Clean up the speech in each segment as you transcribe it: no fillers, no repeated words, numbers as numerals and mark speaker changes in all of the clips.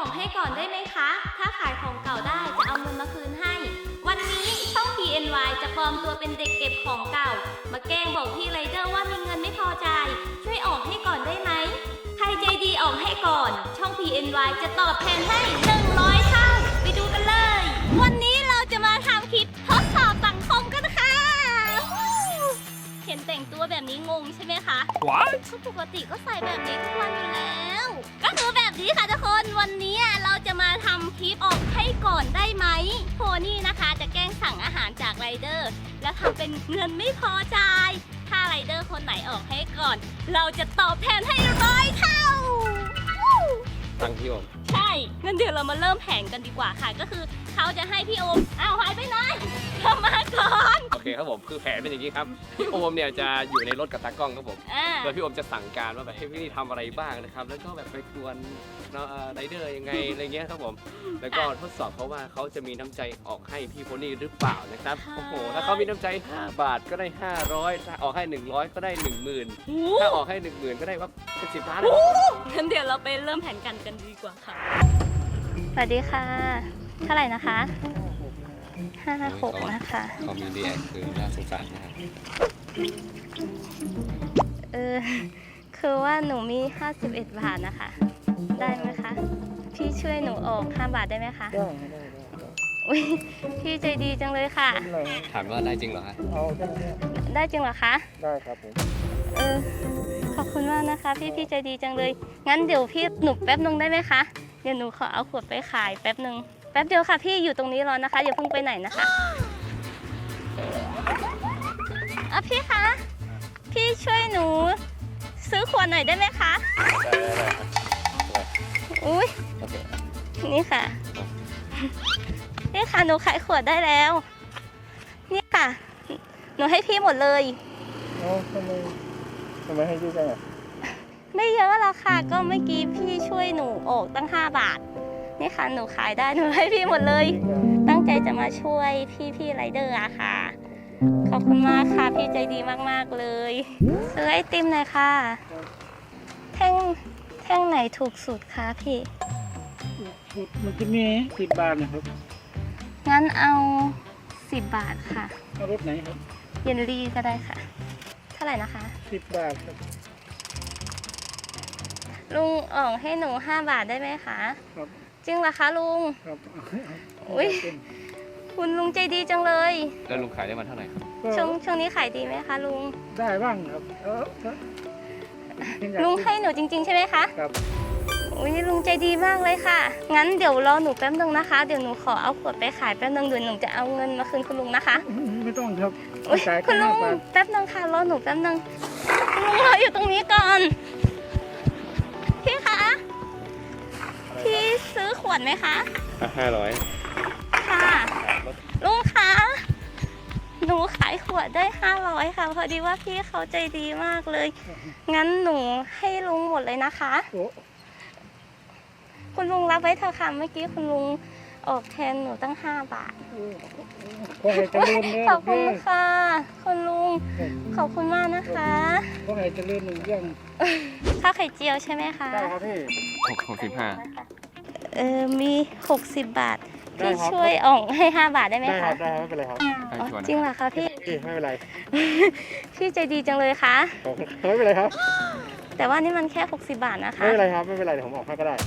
Speaker 1: อกให้ก่อนได้ไหมคะ ถ้าขายของเก่าได้จะเอาเงินมาคืนให้ วันนี้ช่อง PNY จะปลอมตัวเป็นเด็กเก็บของเก่า มาแกล้งบอกพี่ไรเดอร์ว่ามีเงินไม่พอใจายช่วยออกให้ก่อนได้ไหม ใครใจดีออกให้ก่อน ช่อง PNY จะตอบแทนให้100 เท่า ไปดูกันเลย วันนี้เราจะมาทำคลิปทดสอบสังคมกันค่ะ เห็นแต่งตัวแบบนี้งงใช่ไหมคะ
Speaker 2: What?
Speaker 1: ปกติก็ใส่แบบนี้ทุกวันอยู่แล้ว ก็คือแบบนี้ค่ะทุกคนวันนี้เราจะมาทำคลิปออกให้ก่อนได้ไหมโพนี่นะคะจะแกล้งสั่งอาหารจากไรเดอร์แล้วทำเป็นเงินไม่พอใจายถ้าไรเดอร์คนไหนออกให้ก่อน เราจะตอบแทนให้100 เท่า
Speaker 2: ตังพี่โอม
Speaker 1: ใช่งั้นเดี๋ยวเรามาเริ่มแผนกันดีกว่าค่ะ ก็คือเขาจะให้พี่โอมอ้าวหายไปไหนเข้ามาก่อน
Speaker 2: โอเคครับผมคือแผนเป็นอย่างนี้ครับพี่โอมเนี่ยจะอยู่ในรถกับตากล้องครับผมโดยพี่โอมจะสั่งการว่าแบบให้พี่นี่ทำอะไรบ้างนะครับแล้วก็แบบไปกวนไรเดอร์ยังไงอะไรเงี้ยครับผมแล้วก็ทดสอบเขาว่าเขาจะมีน้ำใจออกให้พี่โพนี่หรือเปล่านะครับโอ้โหถ้าเขามีน้ำใจ5 บาทก็ได้500ถ้าออกให้100ก็ได้10,000ถ้าออกให้10,000ก็ได้ว่าเป็น10 ล้านเลย
Speaker 1: งั้นเดี๋ยวเราไปเริ่มแผนกันดีกว่าค่ะสวัสดีค่ะเท่าไหร่นะคะ56นะคะ
Speaker 2: เขามีดีแอคคือน่าสงสารนะครับ
Speaker 1: คือว่าหนูมี51 บาทนะคะ ได้ไหมคะ พี่ช่วยหนูออก5 บาทได้ไหมคะ
Speaker 3: ได้
Speaker 1: อุ๊ยพี่ใจดีจังเลยค่ะ
Speaker 2: ถามว่าได้จริงเหรอฮะ
Speaker 3: เอาได้
Speaker 1: ได้จริงเหรอคะ
Speaker 3: ได้ครับผม
Speaker 1: ขอบคุณมากนะคะพี่ใจดีจังเลย งั้นเดี๋ยวพี่หนูแป๊บนึงได้ไหมคะ เดี๋ยวหนูขอเอาขวดไปขายแป๊บนึง แป๊บเดียวค่ะพี่อยู่ตรงนี้รอนะคะอย่าเพิ่งไปไหนนะคะพี่คะ พี่ช่วยหนูซื้อขวดหน่อยได้ไหมคะ
Speaker 2: ได้ครับ
Speaker 1: อุ้ย
Speaker 2: โอเค
Speaker 1: นี่ค่ะ นี่ค่ะหนูขายขวดได้แล้ว นี่ค่ะ หนูให้พี่หมดเลย
Speaker 3: เอาทำไมให้ยืดจังอ่ะ
Speaker 1: ไม่เยอะหรอกค่ะ ก็เมื่อกี้พี่ช่วยหนูออกตั้ง5 บาท นี่ค่ะหนูขายได้หนูให้พี่หมดเลย ตั้งใจจะมาช่วยพี่ไรเดอร์อะค่ะ ขอบคุณมากค่ะพี่ใจดีมากๆเลยซื้อไอติมหน่อยค่ะแท่งไหนถูกสุดคะพี่
Speaker 3: มันจะมี10 บาทนะครับ
Speaker 1: งั้นเอา10 บาทค่ะ
Speaker 3: เอารถไหนครับ
Speaker 1: เยนลี่ก็ได้ค่ะ เท่าไหร่นะคะ
Speaker 3: 10 บาทครับ
Speaker 1: ลุงออกให้หนู5 บาทได้ไหมคะ
Speaker 3: ครับ
Speaker 1: จริงเหรอคะลุง
Speaker 3: ครับ
Speaker 1: อุ๊ย คุณลุงใจดีจังเลย
Speaker 2: แล้วลุงขายได้มาเท่าไหร่ครับ
Speaker 1: ช่วงนี้ขายดีไหมคะลุง
Speaker 3: ได้บ้างครับ
Speaker 1: ลุงให้หนูจริงๆใช่ไหมคะ
Speaker 3: ครับ
Speaker 1: อุ้ยลุงใจดีมากเลยค่ะ งั้นเดี๋ยวรอหนูแป๊บนึงนะคะ เดี๋ยวหนูขอเอาขวดไปขายแป๊บนึงเดี๋ยวหนูจะเอาเงินมาคืนคุณลุงนะคะ
Speaker 3: ไม่ต้องครับ
Speaker 1: อุ๊ย
Speaker 3: จ่าย
Speaker 1: คุณลุง
Speaker 3: 5 บาท
Speaker 1: แป๊บนึงค่ะรอหนูแป๊บนึงคุณลุงรออยู่ตรงนี้ก่อน พี่คะ พี่ซื้อขวดไหมคะ
Speaker 2: 500
Speaker 1: ค่ะ ลุงคะ หนูขายขวดได้500ค่ะ พอดีว่าพี่เขาใจดีมากเลย งั้นหนูให้ลุงหมดเลยนะคะ
Speaker 3: โอ้
Speaker 1: คุณลุงรับไว้เถอะค่ะเมื่อกี้คุณลุงออกแทนหนูตั้ง5 บาท
Speaker 3: ขอให้เจริญเลย
Speaker 1: ขอบคุณค่ะ คุณลุง ขอบคุณมากนะคะ
Speaker 3: ขอให้เจริญหนึ่งเรื่อง
Speaker 1: ข้าวไข่เจียวใช่ไหมคะ
Speaker 3: ได้ครับพี่
Speaker 2: 65
Speaker 1: มี60 บาท
Speaker 3: ได้
Speaker 1: พี่
Speaker 3: ครับ
Speaker 1: ช่วยออกให้5 บาทได้ไหม
Speaker 3: ได้ค
Speaker 1: คะ
Speaker 3: รับได้ครับไม่เป็นไรครับ
Speaker 1: อ๋อจริงเหรอคะพี่
Speaker 3: ไม่เป็นไร
Speaker 1: พี่ใจดีจังเลยค่ะ
Speaker 3: ไม่เป็นไรครับ
Speaker 1: แต่ว่านี่มันแค่60 บาทนะคะ
Speaker 3: ไม่เป็นไรครับไม่เป็นไรเดี๋ยวผมออกให้ก็ได้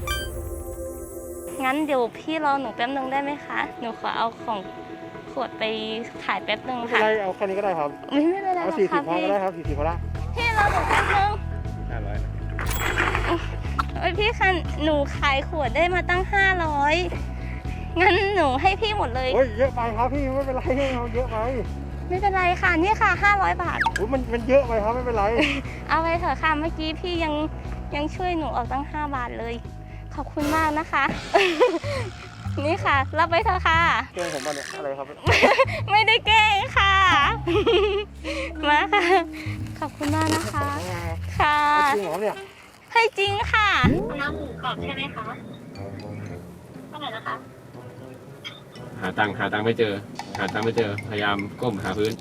Speaker 1: งั้นเดี๋ยวพี่รอหนูแป๊บนึงได้ไหมคะ หนูขอเอาของขวดไปขายแป๊บนึง
Speaker 3: ไม่เป็น
Speaker 1: ค่ะ
Speaker 3: ไรเอาแค่นี้ก็ได้ครับ
Speaker 1: ไม่เป็นไรหร
Speaker 3: เอา
Speaker 1: อก
Speaker 3: 40
Speaker 1: ค่ะ
Speaker 3: พอ
Speaker 1: พี่
Speaker 3: ก็ได้ครับ40พอละ
Speaker 1: พี่รอหนูแป๊บนึง
Speaker 2: 500
Speaker 1: โอ้ยพี่คะหนูขายขวดได้มาตั้ง500 งั้นหนูให้พี่หมดเลย
Speaker 3: โอ้ยเยอะไปครับพี่ไม่เป็นไรเอาเยอะไป
Speaker 1: ไม่เป็นไรค่ะนี่ค่ะ500 บาท
Speaker 3: โอ้ยมันเยอะไปครับไม่เป็นไร
Speaker 1: เอาไปเถอะค่ะเมื่อกี้พี่ยังช่วยหนูออกตั้ง5 บาทเลย ขอบคุณมากนะคะ นี่ค่ะ รับไปเถอะค่ะ
Speaker 3: เกงผมมาเนี่ยอะไรครับ
Speaker 1: ไม่ได้แกล้งค่ะ มาค่ะ ขอบคุณมากนะคะ ค่ะ
Speaker 3: จริงเหรอเนี่ย
Speaker 1: ให้จริงค่ะน้ำหมูกรอบใช่ไหมคะเท่าไหร่นะคะ
Speaker 2: หาตังค์ไม่เจอ พยายามก้มหาพื้น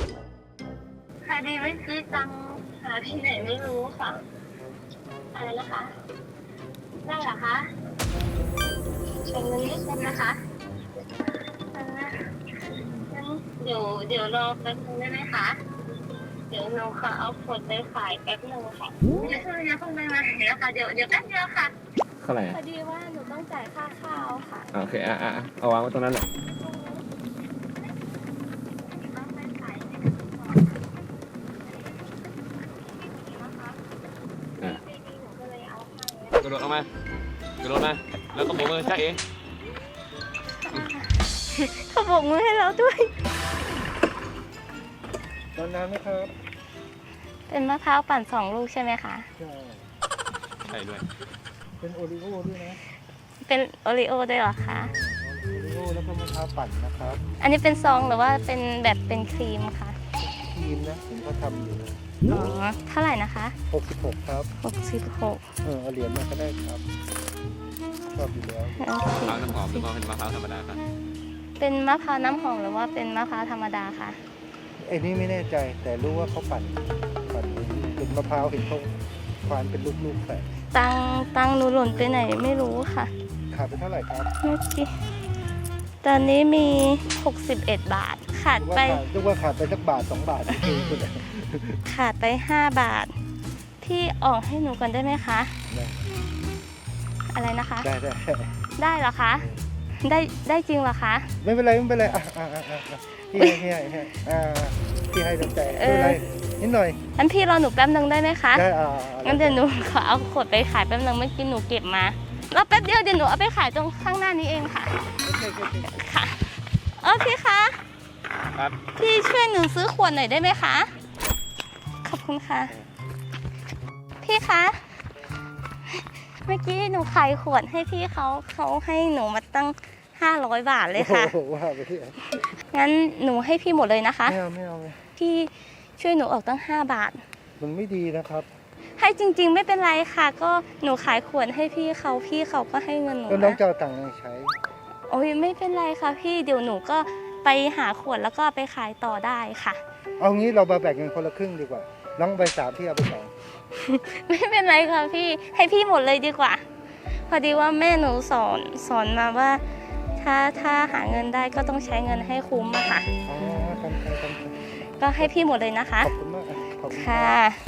Speaker 1: พอดีเมื่อกี้ตังหาที่ไหนไม่รู้ค่ะ อะไรนะคะคะได้เหรอคะเป็นเงินนิดนึงนะคะงั้นเดี๋ยวรอแป๊บนึงได้ไหมคะเดี๋ยวหนูขอเอาขวดไปขายแป๊บนึงค่ะอย่าเพิ่งไปมาเดี๋ยวค่ะเดี๋ยวแป๊บเดียวค่ะ
Speaker 2: เท่าไหร่
Speaker 1: พอดีว่าหนูต้องจ่ายค่าข้าวค่ะ
Speaker 2: โอเคเอาวางไว้ตรงนั้นแหละ
Speaker 1: ต้องไปขายให้หนูก็เลยเอาให้
Speaker 2: กระโดดออกมากระโดดมาแล้วก็โบกมือจ้าเอ๋
Speaker 1: เขาโบกมือให้เราด้วย
Speaker 3: ตอนน้ำไหมครับ
Speaker 1: เป็นมะพร้าวปั่น2 ลูกใช่ไหมคะ
Speaker 3: ใช่
Speaker 2: ใช่ด้วย
Speaker 3: เป็นโอริโอ้ด้วยนะ
Speaker 1: เป็นโอริโอด้วยเหรอคะ
Speaker 3: โอริโอ้แล้วก็มะพร้าวปั่นนะครับ
Speaker 1: อันนี้เป็นซองหรือว่าเป็นแบบเป็นครีมคะ
Speaker 3: ครีมนะผมก็ทำอยู่นะ
Speaker 1: อ๋อ เท่าไหร่นะคะ
Speaker 3: 66ครับ
Speaker 1: 66
Speaker 3: เอาเหรียญมาก็ได้ครับ ชอบอยู่แล้ว
Speaker 1: โอเค
Speaker 2: มะพร้าวน้ำหอมหรือว่าเป็นมะพร้าวธรรมดาครับ
Speaker 1: เป็นมะพร้าวน้ำหอมหรือว่าเป็นมะพร้าวธรรมดาคะ
Speaker 3: ไอ้นี่ไม่แน่ใจ แต่รู้ว่าเขาปั่นเป็นมะพร้าวเห็นเขาควานเป็นลูกๆใส่
Speaker 1: ตังหนูหล่นไปไหนไม่รู้ค่ะ
Speaker 3: ขาดไปเท่าไหร่ครับ
Speaker 1: เมื่อกี้ตอนนี้มี 61 บาท ขาดไป
Speaker 3: นึกว่าขาดไปสักบาท2 บาทจริงๆคุณ
Speaker 1: ขาดไป 5 บาท พี่ออกให้หนูก่อนได้ไหมคะ อะไรนะคะ
Speaker 3: ได้
Speaker 1: ได้เหรอคะ ได้จริงเหรอคะ
Speaker 3: ไม่เป็นไรพี่ให้พี่ให้น้ำใจไม่เป็นไรนิดหน่อย
Speaker 1: งั้นพี่รอหนูแป๊บนึงได้ไหมคะ
Speaker 3: ได้
Speaker 1: งั้นเดี๋ยวหนูขอเอาขวดไปขายแป๊บนึงเมื่อกี้หนูเก็บมารอแป๊บเดียวเดี๋ยวหนูเอาไปขายตรงข้างหน้านี้เองค่ะ ค่ะพี่คะ
Speaker 2: ครับ
Speaker 1: พี่ช่วยหนูซื้อขวดหน่อยได้ไหมคะ ขอบคุณค่ะ พี่คะ เมื่อกี้หนูขายขวดให้พี่เขาให้หนูมาตั้ง500 บาทเลยค่ะ
Speaker 3: โอ้โหว่าไปที่
Speaker 1: งั้นหนูให้พี่หมดเลยนะคะ
Speaker 3: ไม่เอา
Speaker 1: พี่ช่วยหนูออกตั้ง5 บาท
Speaker 3: มันไม่ดีนะครับ
Speaker 1: ให้จริงๆไม่เป็นไรค่ะ ก็หนูขายขวดให้พี่เขาก็ให้เงินหนู
Speaker 3: ก็น้อง
Speaker 1: นะ
Speaker 3: จะเอาตังค์มาใช้
Speaker 1: โอ้ยไม่เป็นไรค่ะพี่เดี๋ยวหนูก็ไปหาขวดแล้วก็ไปขายต่อได้ค่ะ
Speaker 3: เอางี้เรามาแบ่งกันคนละครึ่งดีกว่า น้องไป3พี่เอาไป2
Speaker 1: ไม่เป็นไรค่ะพี่ให้พี่หมดเลยดีกว่า พอดีว่าแม่หนูสอนมาว่า ถ้าหาเงินได้ก็ต้องใช้เงินให้คุ้มอะค่ะ
Speaker 3: อ๋อทำไป
Speaker 1: ก็ให้พี่หมดเลยนะคะ
Speaker 3: ขอบคุณมากขอบคุณ
Speaker 1: ค่ะ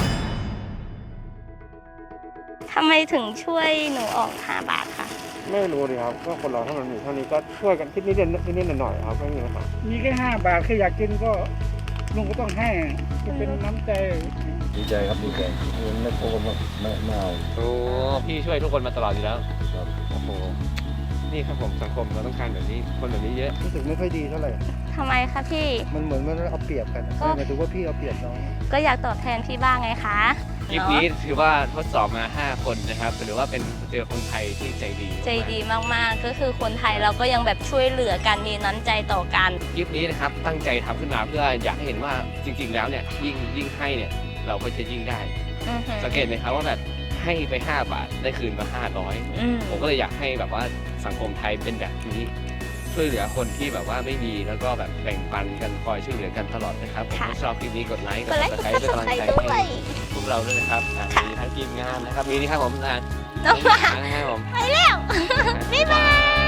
Speaker 1: ทำไมถึงช่วยหนูออก5 บาทคะ
Speaker 4: ไม่รู้ดิครับก็คนเราถ้ามันมีเท่านี้ก็ช่วยกันคิดนิดหน่อยๆครับไม่มีปัญหา
Speaker 3: มีแค่5 บาทแค่อยากกินก็ลุงก็ต้องให้จะเป็นน้ำใจ
Speaker 5: ดีใจครับดีใจไม่โกงไม่เอา
Speaker 2: โอ้พี่ช่วยทุกคนมาตลอดอยู่แล้ว
Speaker 5: ครับ
Speaker 2: โอ้โห นี่ครับผมสังคมเราต้องการแบบนี้ คนแบบนี้เยอะ
Speaker 3: รู้สึกไม่ค่อยดีเท่าไหร่
Speaker 1: ทำไมคะพี่
Speaker 3: มันเหมือนมันเอาเปรียบกันหมายถึงว่าพี่เอาเปรียบน้อง
Speaker 1: ก็อยากตอบแทนพี่บ้างไงคะ
Speaker 2: คลิปนี้ถือว่าทดสอบมา 5 คนนะครับหรือว่าเป็นเจอคนไทยที่ใจดี
Speaker 1: ใจดีมากๆ ก็คือคนไทยเราก็ยังแบบช่วยเหลือกันมีน้ำใจต่อกัน
Speaker 2: คลิปนี้นะครับตั้งใจทำขึ้นมาเพื่ออยากให้เห็นว่าจริง ๆ แล้วเนี่ยยิ่งให้เนี่ยเราก็จะยิ่งได้
Speaker 1: อือหือ
Speaker 2: สังเกตไหมครับว่าแบบให้ไป 5 บาทได้คืนมา 500
Speaker 1: อืม
Speaker 2: ผมก็เลยอยากให้แบบว่าสังคมไทยเป็นแบบนี้ ช่วยเหลือคนที่แบบว่าไม่มีแล้วก็แบบแบ่งปันกันคอยช่วยเหลือกันตลอดนะครับผมถ้าชอบคลิปนี้กดไลค์ก
Speaker 1: ก
Speaker 2: ด
Speaker 1: ดไลค์
Speaker 2: ซับสไครต์เป็นกำลังใจ
Speaker 1: กด Subscribe ด้ว
Speaker 2: ให้
Speaker 1: ย
Speaker 2: พวกเราด้วยนะครับมีทั้งทีมงานนะครับมีนี่ครับผม
Speaker 1: น้องหมา
Speaker 2: นะครับผม
Speaker 1: ไปแล้ว บ๊ายบาย